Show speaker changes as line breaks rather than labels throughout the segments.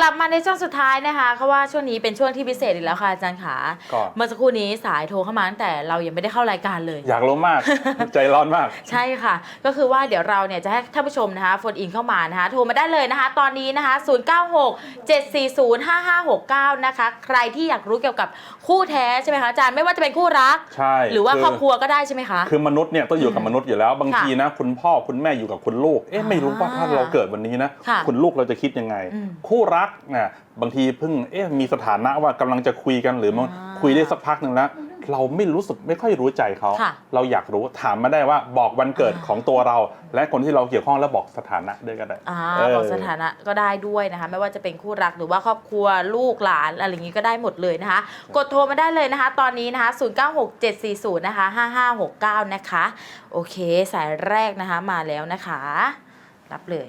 ลับมาในช่วงสุดท้ายนะคะเพราะว่าช่วงนี้เป็นช่วงที่พิเศษอีกแล้วค่ะอาจารย์ขาเมื่อสักครู่นี้สายโทรเข้ามาตั้งแต่เรายังไม่ได้เข้ารายการเลย
อยากรู้มาก ใจร้อนมาก
ใช่ค่ะก็คือว่าเดี๋ยวเราเนี่ยจะให้ท่านผู้ชมนะคะโฟนอินเข้ามานะคะโทรมาได้เลยนะคะตอนนี้นะคะ0967405569นะคะใครที่อยากรู้เกี่ยวกับคู่แท้ใช่ไหมคะอาจารย์ไม่ว่าจะเป็นคู่รัก
ใช่
หรือว่าครอบครัวก็ได้ใช่ไหมคะ
คือมนุษย์เนี่ยต้องอยู่กับมนุษย์อยู่แล้วบางทีนะคุณพ่อคุณแม่อยู่กับคุณลูกไม่รู้ว่าถ้าเราเกิดวันนี้นะคุณลูกเราจะคิดยังไงคู่รักเนี่ยบางทีเพิ่งมีสถานะว่ากำลังจะคุยกันหรือมันคุยได้สักพักหนึ่งแล้วเราไม่ค่อยรู้ใจเขาเราอยากรู้ถามมาได้ว่าบอกวันเกิดของตัวเราและคนที่เราเกี่ยวข้องแล้วบอกสถานะด้วยก็ได้
บอกสถานะก็ได้ด้วยนะคะไม่ว่าจะเป็นคู่รักหรือว่าครอบครัวลูกหลานอะไรอย่างนี้ก็ได้หมดเลยนะคะกดโทรมาได้เลยนะคะตอนนี้นะคะ096740นะคะ5569นะคะโอเคสายแรกนะคะมาแล้วนะคะรับเลย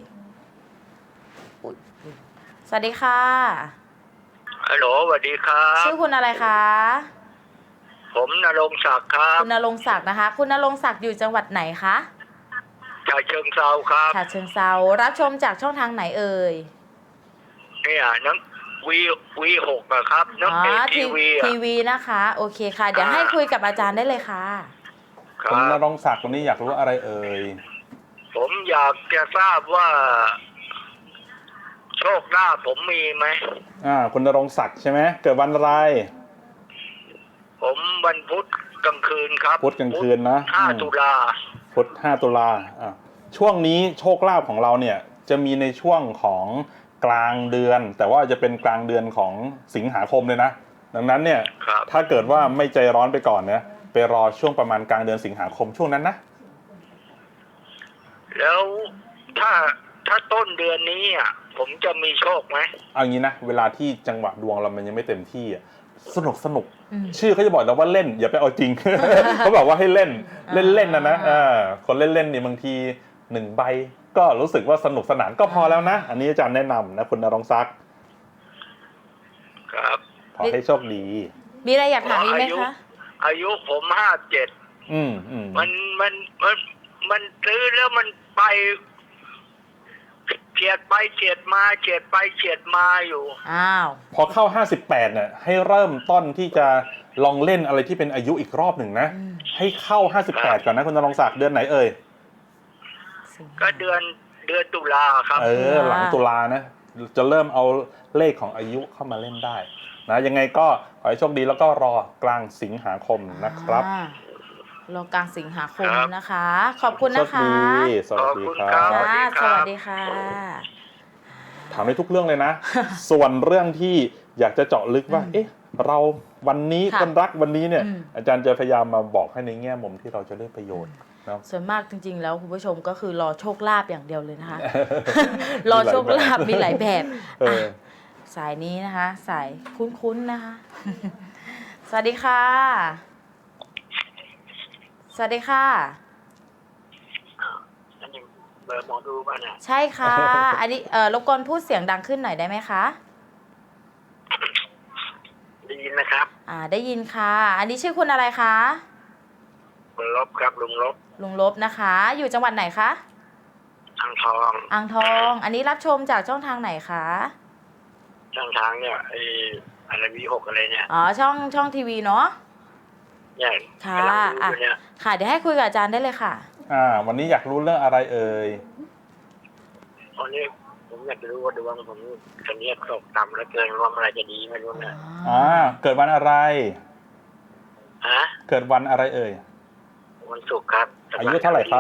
สวัสดีค่ะ
ฮัลโหลสวัสดีครับ
ชื่อคุณอะไรคะ
ผมณรงค์ศักดิ์ครับ
คุณณรงค์ศักดิ์นะคะคุณณรงค์ศักดิ์อยู่จังหวัดไหนคะ
ฉะเชิงเทราครับ
ฉะเชิงเทรารับชมจากช่องทางไหนเอ่ย
เนี่ยน้องวี6อะครับน้อง
ทีวีนะคะโอเคค่ะเดี๋ยวให้คุยกับอาจารย์ได้เลยค่ะ
คุณณรงค์ศักดิ์วันนี้อยากรู้อะไรเอ่ย
ผมอยากจะทราบว่าโชคลาภผมมีไหม
คุณณรงค์ศักดิ์ใช่ไหมเกิดวันอะไร
ผมวันพุธกลางคืนครับ
พุธกลางคืนนะ
5 ตุลา
พุธ5 ตุลาช่วงนี้โชคลาภของเราเนี่ยจะมีในช่วงของกลางเดือนแต่ว่าจะเป็นกลางเดือนของสิงหาคมเลยนะดังนั้นเนี่ยถ้าเกิดว่าไม่ใจร้อนไปก่อนเนี่ยไปรอช่วงประมาณกลางเดือนสิงหาคมช่วงนั้นนะ
แล้วถ้าต้นเดือนนี้ผมจะมีโชคไหม
เอางี้นะเวลาที่จังหวะดวงเรามันยังไม่เต็มที่สนุกชื่อเขาจะบอกแล้วว่าเล่นอย่าไปเอาจริง เขาบอกว่าให้เล่นนะคนเล่นนี่บางที1 ใบก็รู้สึกว่าสนุกสนานก็พอแล้วนะอันนี้อาจารย์แนะนำนะคุณณรงค์ศักดิ์
ครับ
ขอให้โชคดี
มีอะไรอยากถามอีกไหมคะ
อายุผม57มันซื้อแล้วมันไปเฉียดไปเฉียดมาเฉียดไปเฉียดมาอยู่
พอเข้า58เนี่ยให้เริ่มต้นที่จะลองเล่นอะไรที่เป็นอายุอีกรอบหนึ่งนะให้เข้า58ก่อนนะคุณณรงค์ศักดิ์เดือนไหนเอ่ย
ก็เดือนตุลาครับ
หลังตุลานะจะเริ่มเอาเลขของอายุเข้ามาเล่นได้นะยังไงก็ขอให้โชคดีแล้วก็รอกลางสิงหาคมนะครับ
รอกลางสิงหาคมนะคะขอบคุณนะคะ
สวัสดีครับ
สวัสดีค่ะ
ถามในทุกเรื่องเลยนะ ส่วนเรื่องที่อยากจะเจาะลึกว่าเราวันนี้คนรักวันนี้เนี่ยอาจารย์จะพยายามมาบอกให้ในแง่มุมที่เราจะได้ประโยชน์
ส่วนมากจริงๆแล้วคุณผู้ชมก็คือรอโชคลาภอย่างเดียวเลยนะคะ รอโชคลาภมีหลายแบบสายนี้นะคะสายคุ้นๆนะคะ สวัสดีค่ะสวัสดีค่ะ
อันนี้เบอร์หมอดูป่ะเนี่ย
ใช่ค่ะอันนี้รบกวนพูดเสียงดังขึ้นหน่อยได้ไหมคะ
ได้ยินนะครับ
ได้ยินค่ะอันนี้ชื่อคุณอะไรคะ
ลุงลบครับลุง
ลบนะคะอยู่จังหวัดไหนคะ
อ่างทอง
อันนี้รับชมจากช่องทางไหนคะ
ช่องทางเนี่ยอะไรวี6อะไรเนี่ย
ช่องทีวีเนาะ
ค่ะ
ค่ะเดี๋ยวให้คุยกับอาจารย์ได้เลยค่ะ
วันนี้อยากรู้เรื่องอะไรเอ่ย
วันนี้ผมอยากรู้ว่าดวงผมตอนนี้ตกต่ำแล้วเกินว่าอะไรจะดีไม่รู้นะ
เกิดวันอะไรเกิดวันอะไรเอ่ย
วันศุกร์ครับ
อายุเท่าไหร่ครับ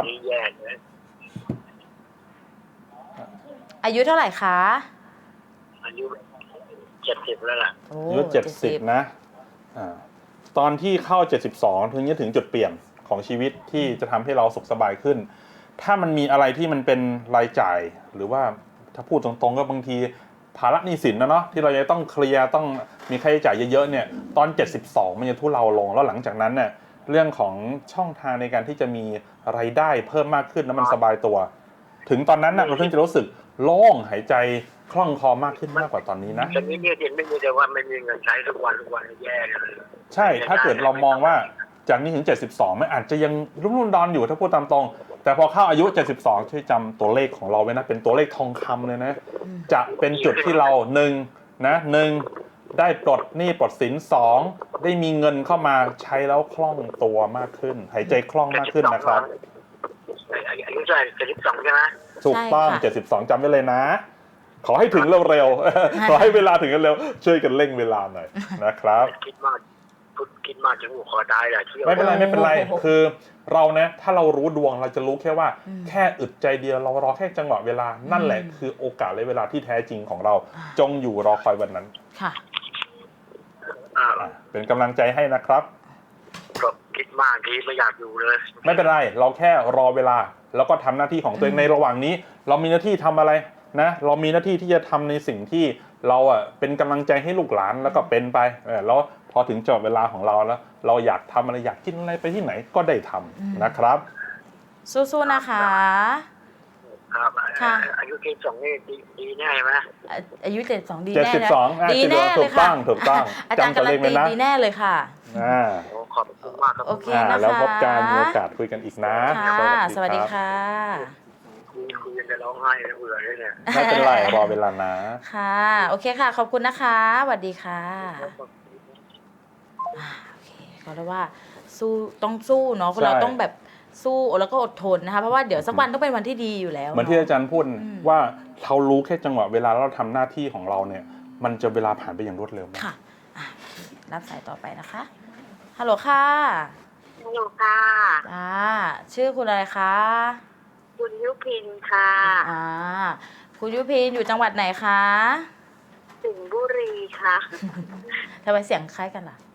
อายุเท่าไหร่คะ
อายุ70แล้วล่ะ
อายุ70นะตอนที่เข้า72ถึงจะถึงจุดเปลี่ยนของชีวิตที่จะทำให้เราสุขสบายขึ้นถ้ามันมีอะไรที่มันเป็นรายจ่ายหรือว่าถ้าพูดตรงๆก็บางทีภาระหนี้สินนะเนาะที่เราจะต้องเคลียร์ต้องมีค่าใช้จ่ายเยอะๆเนี่ยตอน72มันจะทุเลาลงแล้วหลังจากนั้นเนี่ยเรื่องของช่องทางในการที่จะมีรายได้เพิ่มมากขึ้นแล้วมันสบายตัวถึงตอนนั้นน่ะเราเพิ่งจะรู้สึกโล่งหายใจคล่องคอมากขึ้นมากกว่าตอนนี้นะ
ตอนนี้เนี่ยเห็นไม่มีแต่ว่าไม่มีเงินใช้ทุกวันแย่เลย
ใช่ถ้าเกิดเรามองว่าจากนี้ถึง72มันอาจจะยังรุ่มดอนอยู่ถ้าพูดตามตรงแต่พอเข้าอายุ 72 ช่วยจำตัวเลขของเราไว้นะ เป็นตัวเลขทองคำเลยนะ จะเป็นจุดที่เราหนึ่งได้ปลดหนี้ปลดสิน2ได้มีเงินเข้ามาใช้แล้วคล่องตัวมากขึ้น หายใจคล่องมากขึ้นนะครับ
อายุเท่าไหร่72ใช่ไหม
ถูกต้อง 72 จำไว้เลยนะ ขอให้ถึงเร็วๆ ขอให้เวลาถึงกันเร็ว ช่วยกันเร่งเวลาหน่อยนะครับ
คิดมากถึงหัวคอตายเลยเที่ยว
ไม่เป็นไร คือเรานะถ้าเรารู้ดวงเราจะรู้แค่ว่าแค่อึดใจเดียวเรารอแค่จังหวะเวลานั่นแหละคือโอกาสและเวลาที่แท้จริงของเราจงอยู่รอคอยวันนั้น
ค่ะ
เป็นกำลังใจให้นะครับ
ก็คิดมากทีไม่อยากอยู่เลย
ไม่เป็นไรเราแค่รอเวลาแล้วก็ทำหน้าที่ของตัวเองในระหว่างนี้ เรามีหน้าที่ทำอะไรนะเรามีหน้าที่ที่จะทำในสิ่งที่เราเป็นกำลังใจให้ลูกหลานแล้วก็เป็นไปแล้วพอถึงจบเวลาของเราแล้วเราอยากทำอะไรอยากกินอะไรไปที่ไหนก็ได้ทำนะครับ
สู้ๆนะคะ
ครับ
ค่ะ
อายุ72นี่ดีแน่ไหม
อายุ72ดีแน่นะ
72
ดีแน่เลย
ถู
ค่ะ
กต้อง
อาจารย์
จำตัว
การั
เล
น
ขไว้
ตี
นะ
ดีแน่เลยค่ะ
โอ้ขอบคุณมากครับ
โอเคนะคะ
แล้วพบกันมีโอกาสคุยกันอีกนะ
ค่ะสวัสดีค่ะ
คุยจะร้องไห้เบื่อเลยเนี่ย
ไม่เป็นไรรอเวลานะ
ค่ะ โอเคค่ะ ขอบคุณนะคะสวัสดีค่ะโอเคก็เรียกว่าสู้ต้องสู้เนาะ
ใช่
เราต้องแบบสู้แล้วก็อดทนนะคะเพราะว่าเดี๋ยวสักวันต้องเป็นวันที่ดีอยู่แล้ว
เหมือนที่อาจารย์พูดว่าเรารู้แค่จังหวะเวลาแล้วเราทำหน้าที่ของเราเนี่ย มันจะเวลาผ่านไปอย่างรวดเร็วมาก
ค่ะอ่ะรับสายต่อไปนะคะฮัลโหลค่ะ
อยู่ค่ะ
ชื่อคุณอะไรคะ
คุณยุพินค่ะ
คุณยุพินอยู่จังหวัดไหนคะ
สิงห์บุรีค่ะ
ทำไมเสียงคล้ายกันล่ะ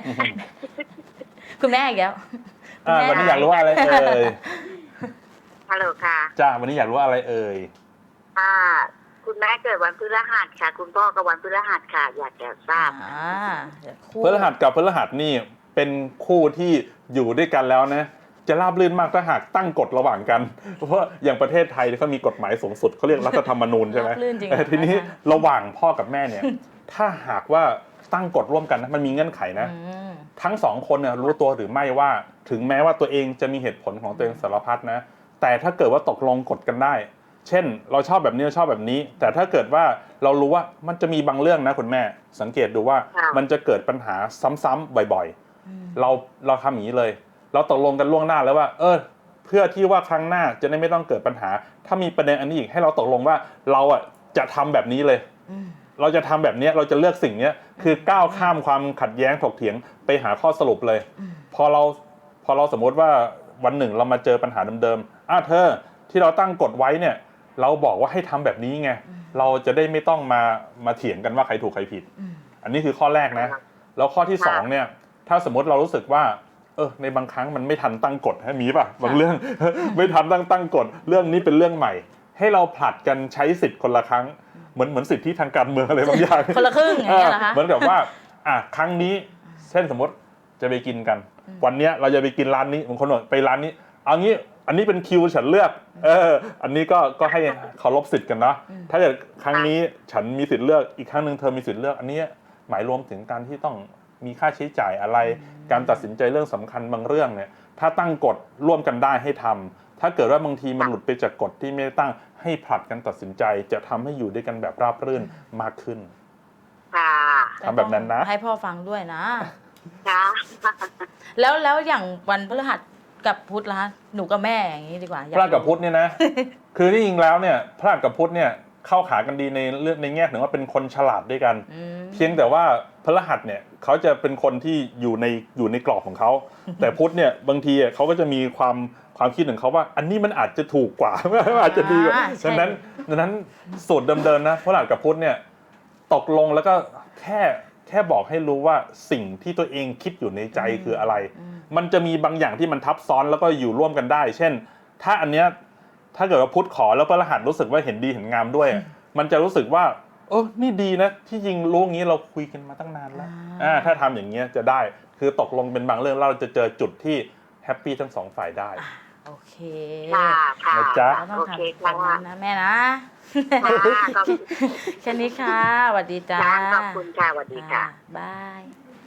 คุณแม่อีกแล้ว
วันนี้อยากรู้ว่าอะไรเอ่ย
ฮัลโหลค่ะ
จ้าวันนี้อยากรู้ว่าอะไรเอ่ย
คุณแม่เกิดวันพฤหัสค่ะ คุณพ่อก็วันพฤหัสค่ะ อยากจะทราบ
พฤหัสกับพฤหัสนี่เป็นคู่ที่อยู่ด้วยกันแล้วนะจะราบรื่นมากถ้าหากตั้งกฎระหว่างกันเพราะว่าอย่างประเทศไทยเขามีกฎหมายสูงสุดเขาเรียกรัฐธรรมนูญใช่ไหม
ราบรื่นจริง
ทีนี้ระหว่างพ่อกับแม่เนี่ย ถ้าหากว่าตั้งกฎร่วมกันนะมันมีเงื่อนไขนะ ทั้งสองคนเนี่ยรู้ตัวหรือไม่ว่าถึงแม้ว่าตัวเองจะมีเหตุผลของตัวเองสารพัดนะแต่ถ้าเกิดว่าตกลงกฎกันได้ เช่นเราชอบแบบนี้เราชอบแบบนี้ แต่ถ้าเกิดว่าเรารู้ว่ามันจะมีบางเรื่องนะคุณแม่สังเกตดูว่า
ค่ะ
มันจะเกิดปัญหาซ้ำๆบ่อยๆเราทำอย่างนี้เลย เราตกลงกันล่วงหน้าแล้วว่าเพื่อที่ว่าครั้งหน้าจะได้ไม่ต้องเกิดปัญหา ถ้ามีประเด็นอันนี้อีกให้เราตกลงว่าเราจะทำแบบนี้เลย เราจะทำแบบนี้เราจะเลือกสิ่งนี้คือก้าวข้ามความขัดแย้งถกเถียงไปหาข้อสรุปเลยพอเราสมมติว่าวันหนึ่งเรามาเจอปัญหาเดิมๆเธอที่เราตั้งกฎไว้เนี่ยเราบอกว่าให้ทำแบบนี้ไงเราจะได้ไม่ต้องมาเถียงกันว่าใครถูกใครผิดอันนี้คือข้อแรกนะแล้วข้อที่สองเนี่ยถ้าสมมติเรารู้สึกว่าในบางครั้งมันไม่ทันตั้งกฎมีป่ะบางเรื่อง ไม่ทันตั้งกฎเรื่องนี้เป็นเรื่องใหม่ให้เราผลัดกันใช้สิทธิ์คนละครั้งเหมือนสิทธิทางการเมืองอะไรบางอย่าง
คนละครึ่งอย่างเงี้ยเหรอคะ
เหมือนกับว่าครั้งนี้เช่นสมมติจะไปกินกัน วันเนี้ยเราจะไปกินร้านนี้บางคนบอกไปร้านนี้เอางี้อันนี้เป็นคิวฉันเลือกอันนี้ก็ให้เคารพสิทธิ์กันนะถ้าเกิดครั้งนี้ฉันมีสิทธิ์เลือกอีกครั้งหนึ่งเธอมีสิทธิ์เลือกอันนี้หมายรวมถึงการที่ต้องมีค่าใช้จ่ายอะไรการตัดสินใจเรื่องสำคัญบางเรื่องเนี่ยถ้าตั้งกฎร่วมกันได้ให้ทำถ้าเกิดว่าบางทีมันหลุดไปจากกฎที่ไม่ได้ตั้งให้ผลัดกันตัดสินใจจะทำให้อยู่ด้วยกันแบบราบรื่นมากขึ้น
ค่ะ
ทำแบบนั้นนะ
ให้พ่อฟังด้วยนะ
ค่ะ
แล้วอย่างวันพฤหัสกับพุธล่ะหนูกับแม่อย่างนี้ดีกว่า
พระกับพุทธเนี่ยนะ คือที่จริงแล้วเนี่ยพระกับพุทธเนี่ยเข้าขากันดีในเรื่องในแง่ถึงว่าเป็นคนฉลาดด้วยกัน เพียงแต่ว่าพฤหัสเนี่ยเขาจะเป็นคนที่อยู่ในกรอบของเขาแต่พุทธเนี่ยบางทีเขาก็จะมีความคิดของเขาว่าอันนี้มันอาจจะถูกกว่า อาจจะดีกว่าดังนั้นสูตรเดิมๆนะพฤหัสกับพุทธเนี่ยตกลงแล้วก็แค่บอกให้รู้ว่าสิ่งที่ตัวเองคิดอยู่ในใจคืออะไรมันจะมีบางอย่างที่มันทับซ้อนแล้วก็อยู่ร่วมกันได้ เช่นถ้าอันเนี้ยถ้าเกิดว่าพุทธขอแล้วพฤหัสรู้สึกว่าเห็นดีเห็นงามด้วยมันจะรู้สึกว่านี่ดีนะที่จริงรู้งี้เราคุยกันมาตั้งนานแล้วถ้าทำอย่างเงี้ยจะได้คือตกลงเป็นบางเรื่องเราจะเจอจุดที่แฮปปี้ทั้งสองฝ่ายได้
โอเค
ค่ะค่ะ
นะจ๊ะ
ต้อง
โอ
ทำ
เค
แบบ
ค่ะ
นั้นนะแม่นะ
ค่ะขอบคุณ
แค่นี้ค่ะสวัสดีจ้า
ขอบคุณค่ะสวัสดีค่ะ
บาย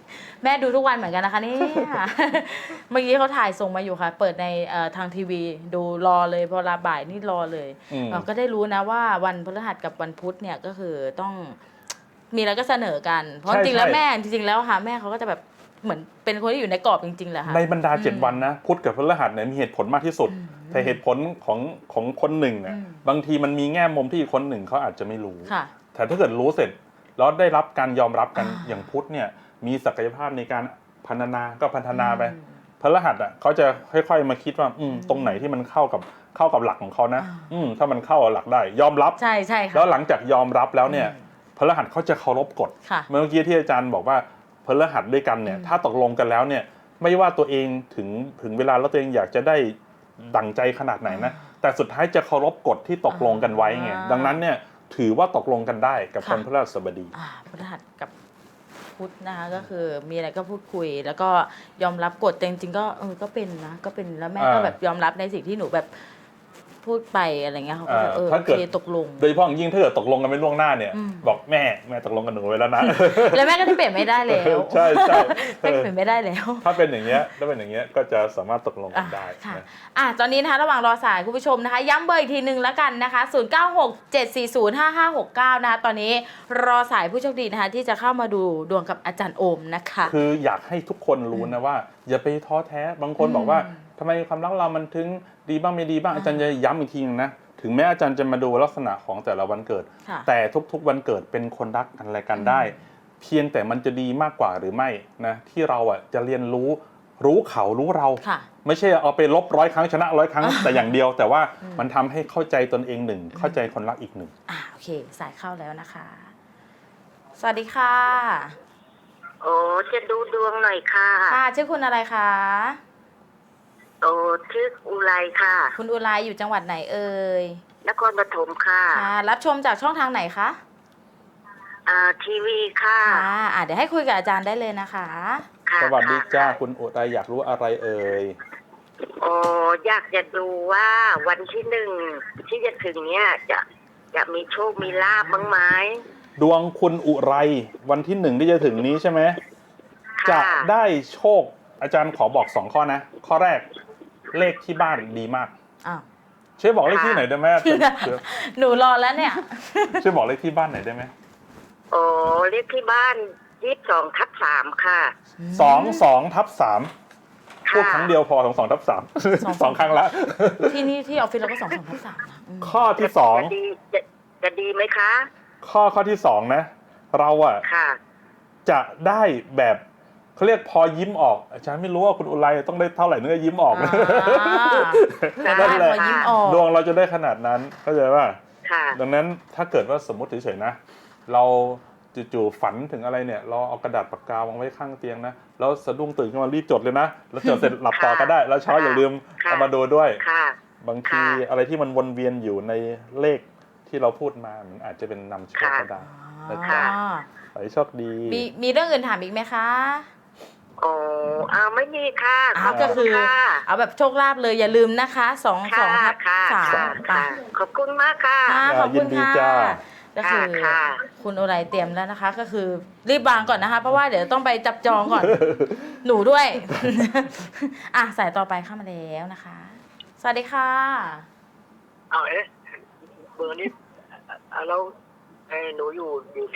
แม่ดูทุกวันเหมือนกันนะคะเนี่ย เมื่อกี้เขาถ่ายส่งมาอยู่ค่ะ เปิดในทางทีวีดูรอเลยพอลาบ่ายนี่รอเลย เราก็ได้รู้นะว่าวันพฤหัสกับวันพุธเนี่ยก็คือต้องมีอะไรก็เสนอกัน เพราะจริงๆแล้วแม่จริงๆแล้วค่ะแม่เขาก็จะแบบเหมือนเป็นคนที่อยู่ในกรอบจริงๆแหละค่ะ
ในบรรดา7 วันนะพุธกับพฤหัสเนี่ยมีเหตุผลมากที่สุด แต่เหตุผลของคนหนึ่งเนี่ยบางทีมันมีแง่มุมที่อีกคนหนึ่งเขาอาจจะไม่รู้
ค่ะ
แต่ถ้าเกิดรู้เสร็จแล้วได้รับการยอมรับกัน อย่างพุธเนี่ยมีศักยภาพในการพัฒนาก็พัฒนาไปพฤหัสอ่ะเขาจะค่อยๆมาคิดว่าตรงไหนที่มันเข้ากับหลักของเขานะถ้ามันเข้าหลักได้ยอมรับ
ใช่ใช่ค่ะ
แล้วหลังจากยอมรับแล้วเนี่ยพฤหัสเขาจะเคารพกฎ
ค่ะ
เมื่อกี้ที่อาจารย์บอกว่าพฤหัสด้วยกันเนี่ยถ้าตกลงกันแล้วเนี่ยไม่ว่าตัวเองถึงเวลาแล้วตัวเองอยากจะได้ดั่งใจขนาดไหนนะแต่สุดท้ายจะเคารพกฎที่ตกลงกันไว้ไงดังนั้นเนี่ยถือว่าตกลงกันได้กับวันพฤหัสบดี
พฤหัสกับพุธนะคะก็คือมีอะไรก็พูดคุย แล้วก็ยอมรับกฎแต่จริงๆก็ก็เป็นนะก็เป็นแล้วแม่ก็แบบยอมรับในสิ่งที่หนูแบบพูดไปอะไรเงี้ยเขาก็แบบโอเคตกลง
โดยเฉพาะอย่างยิ่งถ้าเกิดตกลงกันไม่ล่วงหน้าเนี่ยบอกแม่ตกลงกันหนูไว้แล้วนะ
แล้วแม่ก็ที่เปลี่ยนไม่ได้แล้ว
ใช่ใช่
แม่เปลี่ยนไม่ได้แล้ว
ถ้าเป็นอย่างเงี้ยก็จะสามารถตกลงกันได้
ค่ะ
นะ
ตอนนี้นะคะระหว่างรอสายคุณผู้ชมนะคะย้ำเบอร์อีกทีนึงแล้วกันนะคะ0967405569นะคะตอนนี้รอสายผู้โชคดีนะคะที่จะเข้ามาดูดวงกับอาจารย์โอมนะคะ
คืออยากให้ทุกคนรู้นะว่าอย่าไปท้อแท้บางคนบอกว่าทำไมความรักเรามันถึงดีบ้างไม่ดีบ้างอาจารย์จะย้ำอีกทีนึงนะถึงแม้อาจารย์จะมาดูลักษณะของแต่ละวันเกิด แต่ทุกๆวันเกิดเป็นคนรักกันอะไรกันได้ เพียงแต่มันจะดีมากกว่าหรือไม่นะที่เราอ่ะจะเรียนรู้เขารู้เรา ไม่ใช่เอาไปลบ100 ครั้งชนะ100 ครั้ง แต่อย่างเดียว แต่ว่ามันทำให้เข้าใจตนเองหนึ่งเข้าใจคนรักอีกหนึ่ง
โอเคสายเข้าแล้วนะคะ สวัสดีค่ะ
โอ้จะดูดวงหน่อยค่ะ
ค่ะชื่อคุณอะไรคะ
โอ้ชื่ออุไรค่ะ
คุณอุไรอยู่จังหวัดไหนเอ่ย
นครปฐมค่ะ
ค่ะรับชมจากช่องทางไหนคะ
ทีวีค่ะ
ค่ะเดี๋ยวให้คุยกับอาจารย์ได้เลยนะคะ
ค่ะ
สวัสดีจ้า
ค่ะ
คุณอุไรอยากรู้อะไรเอ่ย
โอ้อยากจะดูว่าวันที่1ที่จะถึงเนี้ยจะมีโชคมีลาบบ้างไหม
ดวงคุณอุไรวันที่1ที่จะถึงนี้ใช่ไหม
ค่ะ
จะได้โชคอาจารย์ขอบอก2 ข้อนะ ข้อแรกเลขที่บ้านดีมาก
อ้าว
ช่วยบอกเลขที่ไหนอยได้ไหม
หนูรอแล้วเนี่ย
ช่วยบอกเลขที่บ้านหน่อยได้ไหม
โอ้เลขที่บ้าน22/3ค่ะ
22/3พูดครั้งเดียวพอ22/3 2 ครั้งละ
ที่นี่ที่ออฟฟิศเราก็2/3นะ
ข้อที่
จะดีไหมคะ
2ข้อที่2นะเราอะ
ค่ะ
จะได้แบบเขาเรียกพอยิ้มออกอาจารย์ไม่รู้ว่าคุณอุไรต้องได้เท่าไหร่เนื้อยิ้มออก นั่นแหละ
พอยิ้มออก
ดวงเราจะได้ขนาดนั้นเข้าใจป่ะ
ค่ะ
ดังนั้นถ้าเกิดว่าสมมติเฉยๆนะเราจู่ๆฝันถึงอะไรเนี่ยเราเอากระดาษปากกาวางไว้ข้างเตียงนะแล้วสะดุ้งตื่นขึ้นมารีบจดเลยนะแล้วจดเสร็จหลับต่อก็ได้แล้วเช้าอย่าลืม
ค่ะ
เอามาดูด้วย
ค่ะ
บางทีอะไรที่มันวนเวียนอยู่ในเลขที่เราพูดมามันอาจจะเป็นนำโชคก็ได้นะจ๊ะขอให้โชคดี
มีเรื่องอื่นถามอีกไหมคะ
โอ้ไม่มีค่ะขอบ
ก็
คุ
คื
ณ
อ
ค่ะ
เอาแบบโชคลาภเลยอย่าลืมนะคะ22/3
ค่ะ ขอบคุณมากค่ะ
ขอบคุณ
ยินดี
ค่ะ
จ้า
ก็คือ
ค่ะ
คุณโอไรเตรียมแล้วนะคะ ก็คือรีบวางก่อนนะคะ เพราะว่าเดี๋ยวต้องไปจับจองก่อน หนูด้วย สายต่อไปเข้ามาแล้วนะคะ สวัสดีค่ะ
เอาเบอร์นี้แล้วหนูอยู่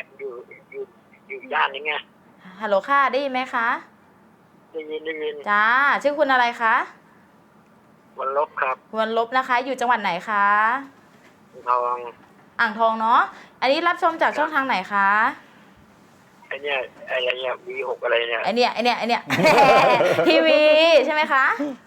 ย่านนี้ไง
ฮัลโหลค่ะได้ยินไหมคะ
ได้ยิน
จ้าชื่อคุณอะไรคะ
วันลบครับ
วันลบนะคะ อยู่จังหวัดไหนคะ
ทอง
อ่างทองเนาะอันนี้รับชมจากช่องทางไหนคะ
ไอ้เนี่ยV6อะไรเนี่ย
ไอเนี้ย ทีวีใช่ไหมคะ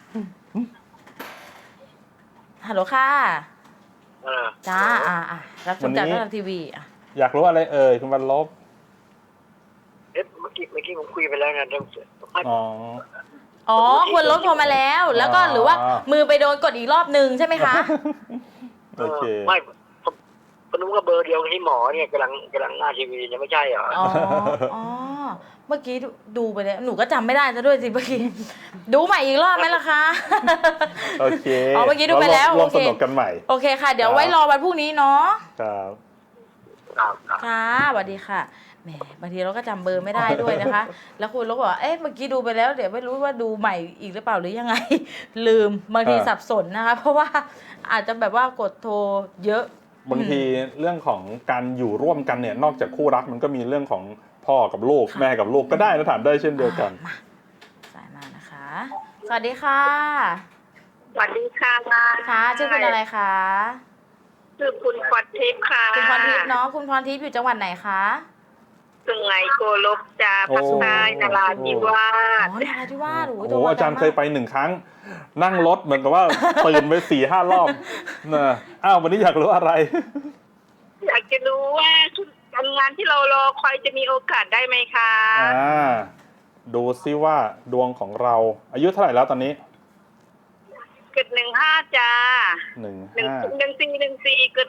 ฮัลโหลค่ะจ้ารับชมจากช่องทางทีวี
อยากรู้อะไรเอ่ยคุณวันลบ
เมื่อกี้ผมคุยไปแล้วนะ
อ๋อ
คุณลบโทรมาแล้ว แล้วก็หรือว่ามือไปโดนกดอีกรอบนึงใช่ไหมคะ
โอเค
ไม่ผมนึกว่าเบอร์เดียวกับที่หมอเนี่ยกำลังหน้าทีวีเนี่ยไม่ใช่เหรอ
อ๋อเมื่อกี้ดูไปแล้วหนูก็จำไม่ได้ซะด้วยสิเมื่อกี้ดูใหม่อีกรอบไหมล่ะคะ
โอเค
เมื่อกี้ดูไปแล้ว
ร่วมสนุกกันใหม่
โอเคค่ะ เดี๋ยวไว้รอวันพรุ่งนี้เนาะ
ครับ
ค่ะสวัสดีค่ะแหมบางทีเราก็จำเบอร์ไม่ได้ด้วยนะคะ แล้วคุณก็บอกว่าเอ๊ะเมื่อกี้ดูไปแล้วเดี๋ยวไม่รู้ว่าดูใหม่อีกหรือเปล่าหรือยังไง ลืมบางทีสับสนนะคะ เพราะว่าอาจจะแบบว่ากดโทรเยอะ
บางทีเรื่องของการอยู่ร่วมกันเนี่ยนอกจากคู่รักมันก็มีเรื่องของพ่อกับลูกแม่กับลูกก็ได้นะถามได้เช่นเดียวกัน
มาสายมานะคะ สวัสดีค่ะ
สวัสดีค่ะ
ค่ะชื่อคุณอะไรคะ
ชื่อคุณพรทิพย์ค่ะ
คุณพรทิพย์เนาะคุณพรทิพย์อยู่จังหวัดไหนคะ
สุไหงโกลกจ้าภาคใต้นราธิวา
อ๋อ
ส
นราธิวาส
โอ้โหอาจารย์เคยไป1 ครั้ง นั่งรถเหมือนกับว่า ตื่นไป4-5 รอบนะอ้าววันนี้อยากรู้อะไร
อยากจะรู้ว่าการงานที่เรารอคอยจะมีโอกาสได้ไหมคะ
ดูซิว่าดวงของเราอายุเท่าไหร่แล้วตอนนี้
เกิด15จ้า
15
14เกิด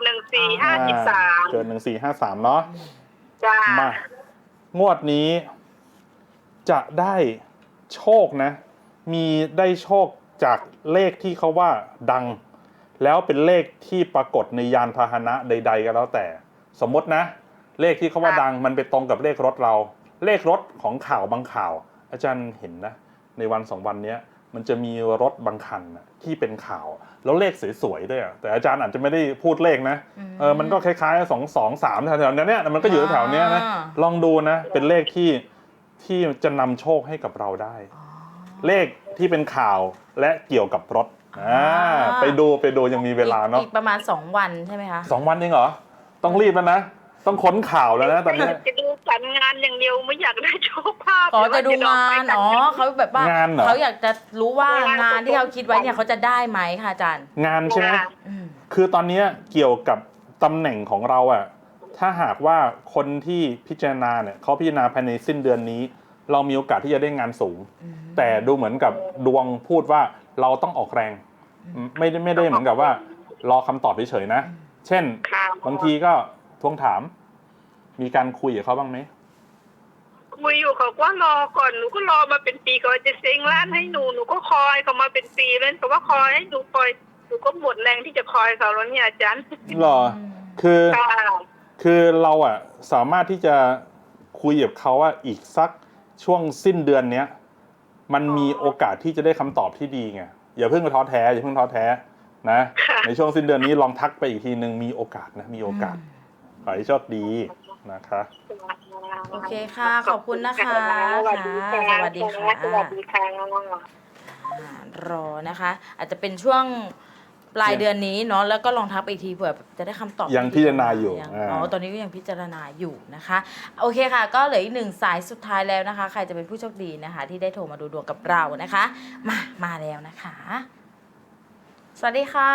1453
เกิด1453เนาะ
จ้าม
างวดนี้จะได้โชคนะ มีได้โชคจากเลขที่เขาว่าดัง แล้วเป็นเลขที่ปรากฏในยานพาหนะใด ๆ ก็แล้วแต่ สมมตินะ เลขที่เขาว่าดังมันไปตรงกับเลขรถเรา เลขรถของข่าวบางข่าว อาจารย์เห็นนะ ในวัน2 วันนี้มันจะมีรถบางคันนะที่เป็นข่าว แล้วเลขสวยๆด้วยอะแต่อาจารย์อาจจะไม่ได้พูดเลขนะมันก็คล้ายๆ223แถวๆนี้มันก็อยู่แถวๆนี้นะลองดูนะ เป็นเลขที่จะนำโชคให้กับเราได้ เลขที่เป็นข่าวและเกี่ยวกับรถไปดูยังมีเวลาเนาะ
อีกประมาณ2 วันใช่ไหมคะ
2 วันเองเหรอต้องรีบแล้วนะต้องค้นข่าวแล้วนะตอนนี้
จะดูการงานอย่างเดียวไม่อยากได้โชคภาพ
ขอจะดูงานเขาแบบว่าง
านเหรอ
เขาอยากจะรู้ว่างานที่เขาคิดไว้เนี่ยเขาจะได้ไหมค่ะอาจารย์
งานใช่ไหม
อืม
คือตอนนี้เกี่ยวกับตำแหน่งของเราอะถ้าหากว่าคนที่พิจารณาเนี่ยเขาพิจารณาภายในสิ้นเดือนนี้ เรามีโอกาสที่จะได้งานสูง แต่ดูเหมือนกับดวงพูดว่าเราต้องออกแรง ไม่ได้เหมือนกับว่ารอคำตอบเฉยๆนะ เช่น บางทีก็ทวงถาม มีการคุยกับเขาบ้างไหม
คุยอยู่เขาก็รอก่อนหนูก็รอมาเป็นปีเขาจะเซ็งร้านให้หนูก็คอยเขามาเป็นปีแล้วเขาว่าคอยให้หนูคอยหนูก็หมดแรงที่จะคอยเขาแล้วเนี่ยอาจารย์
หรอ คือ
ค่ะ
คือเราอะสามารถที่จะคุยกับเขาว่าอีกสักช่วงสิ้นเดือนเนี้ยมันมีโอกาสที่จะได้คำตอบที่ดีไงอย่าเพิ่งท้อแท้อย่าเพิ่งท้อแท้นะในช่วงสิ้นเดือนนี้ลองทักไปอีกทีนึงมีโอกาสนะมีโอกาสขอให้โชคดีนะคะ
โอเคค่ะ ขอบคุณนะคะ
สวัสดีค่ะ
สวัสดีค่ะ
สวัสดีค่ะ
รอนะคะ อาจจะเป็นช่วงปลายเดือนนี้เนาะแล้วก็ลองทักไปอีกทีเผื่อจะได้คำตอบ
ยังพิจารณาอยู่
ตอนนี้ก็ยังพิจารณาอยู่นะคะ โอเคค่ะ ก็เหลืออีก1 สายสุดท้ายแล้วนะคะ ใครจะเป็นผู้โชคดีนะคะ ที่ได้โทรมาดูดวงกับเรานะคะ มาแล้วนะคะ สวัสดีค่ะ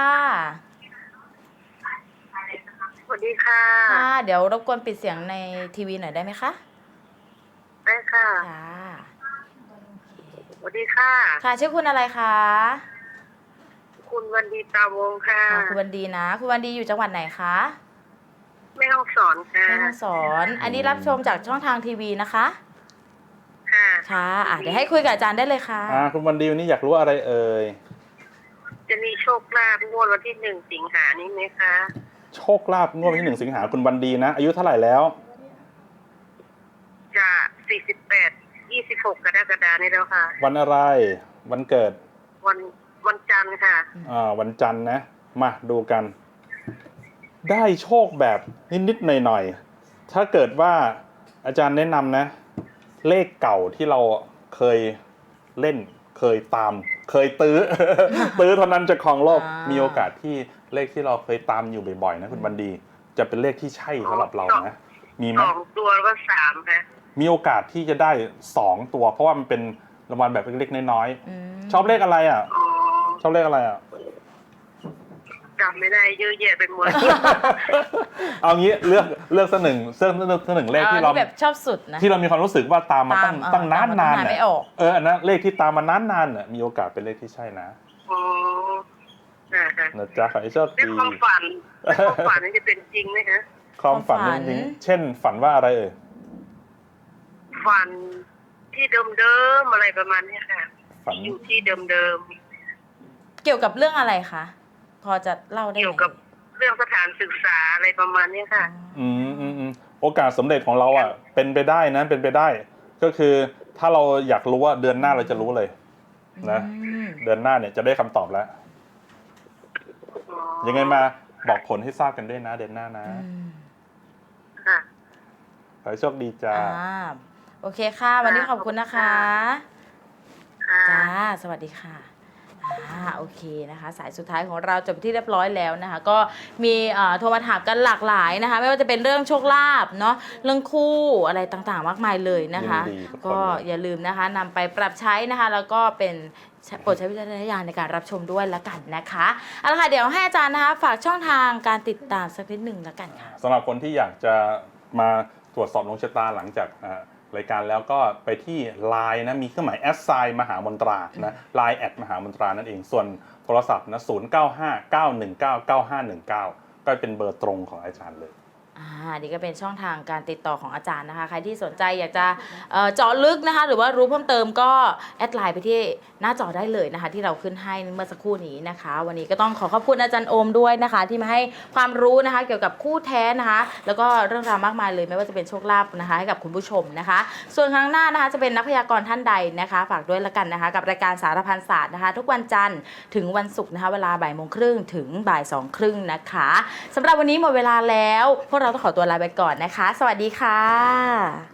สวัสดีค่ะ
ค่ะ เดี๋ยวรบกวนปิดเสียงในทีวีหน่อยได้ไหมคะ
ได้ค่ะ
ค่ะ
สวัสดีค่ะ
ค่ะชื่อคุณอะไรคะ
คุณวันดีตาวงค่ะ
ค่ะคุณวันดีนะ คุณวันดีอยู่จังหวัดไหนคะ
แม่ห้องสอนค่ะ
แม่ฮ่องสอน อันนี้รับชมจากช่องทางทีวีนะคะ
ค่ะ
ค่ะเดี๋ยวให้คุยกับอาจารย์ได้เลยค่ะ
คุณวันดีวันนี้อยากรู้อะไรเอ่ย
จะมีโชคลาภงวดวันที่1 สิงหานี้ไหมคะ
โชคลาภงวดวันที่1 สิงหาคุณวันดีนะ อายุเท่าไหร่แล้ว
จะ48 26 กรกฎาคมนี้แล้วค่ะ
วันอะไรวันเกิด
วันจันทร์ค่ะ
วันจันทร์นะ มาดูกัน ได้โชคแบบนิดๆหน่อยๆถ้าเกิดว่าอาจารย์แนะนำนะ เลขเก่าที่เราเคยเล่นเคยตาม เคยตื้อ ตื้อเท่านั้นจะครองโลก มีโอกาสที่เลขที่เราเคยตามอยู่บ่อยๆนะคุณบันดี จะเป็นเลขที่ใช่สำหรับเรานะมีไหม
2 ตัวแล้วก็3ค่ะ
มีโอกาสที่จะได้2 ตัว เพราะว่ามันเป็นรางวัลแบบเล็กๆน้อยๆชอบเลขอะไรอ่ะ
อ๋อ
ชอบเลขอะไรอ่ะ
จำไม่ได้เยอะแยะไปหมด
เอางี้เลือกสักหนึ่งเลขที่เรา
แบบชอบสุดนะ
ที่เรามีความรู้สึกว่าตามมาตั้งนาน
ตามไม่ออก
อันนั้นเลขที่ตามมานานๆน่ะมีโอกาสเป็นเลขที่ใช่นะ
อ๋อค่ะ
นะจ๊ะขอให้โชค
เรื่อง
ดี
ความฝันนี่จะเป็นจริงไหมคะ
ความฝันจริงๆเช่นฝันว่าอะไรเอ่ย
ฝันที่เดิมๆอะไรประมาณนี้ค่ะ
ฝัน
อยู่ที่เดิม
เกี่ยวกับเรื่องอะไรคะ พอจะเล่า
ๆ
ได้ไหม
เกี่ยวกับเรื่องสถานศึกษาอะไรประมาณนี้ค่ะ
อืมโอกาสสำเร็จของเราอ่ะเป็นไปได้นะเป็นไปได้ ก็คือถ้าเราอยากรู้ว่าเดือนหน้าเราจะรู้เลยนะ เดือนหน้าเนี่ยจะได้คำตอบแล้ว ยังไงมาบอกผลให้ทราบกันด้วยนะเดือนหน้านะ
ค่ะ
ขอให้โชคดีจ้า
โอเคค่ะ วันนี้ขอบคุณนะคะ
ค่ะ
จ้า สวัสดีค่ะ โอเคนะคะ สายสุดท้ายของเราจบที่เรียบร้อยแล้วนะคะ ก็มีโทรมาถามกันหลากหลายนะคะ ไม่ว่าจะเป็นเรื่องโชคลาภเนาะ เรื่องคู่อะไรต่างๆ มากมายเลยนะคะ
ยินดีทุกคน
ก็
เลย
อย่าลืมนะคะนำไปปรับใช้นะคะ แล้วก็เป็นโปรดใช้วิจารณญาณในการรับชมด้วยละกันนะคะเอาละค่ะ เดี๋ยวให้อาจารย์นะคะฝากช่องทางการติดตามสักนิดหนึ่งละกันค่ะ
สำหรับคนที่อยากจะมาตรวจสอบดวงชะตาหลังจากรายการแล้วก็ไปที่ Line นะมีเครื่องหมาย@มหามนตรานะ Line มหามนตรานั่นเองส่วนโทรศัพท์นะ0959199519ก็เป็นเบอร์ตรงของอาจารย์เลย
นี่ก็เป็นช่องทางการติดต่อของอาจารย์นะคะ ใครที่สนใจอยากจะเจาะลึกนะคะ หรือว่ารู้เพิ่มเติมก็แอดไลน์ไปที่หน้าจอได้เลยนะคะ ที่เราขึ้นให้เมื่อสักครู่นี้นะคะ วันนี้ก็ต้องขอขอบคุณอาจารย์โอมด้วยนะคะ ที่มาให้ความรู้นะคะ เกี่ยวกับคู่แท้นะคะ แล้วก็เรื่องราวมากมายเลยไม่ว่าจะเป็นโชคลาภนะคะให้กับคุณผู้ชมนะคะ ส่วนครั้งหน้านะคะจะเป็นนักพยากรณ์ท่านใดนะคะ ฝากด้วยละกันนะคะ กับรายการสารพันศาสตร์นะคะ ทุกวันจันทร์ถึงวันศุกร์นะคะ เวลา13:30ถึง14:30นะคะสำหรับวันนี้หมดเวลาแล้วพวกเราต้องขอตัวลาไปก่อนนะคะ สวัสดีค่ะ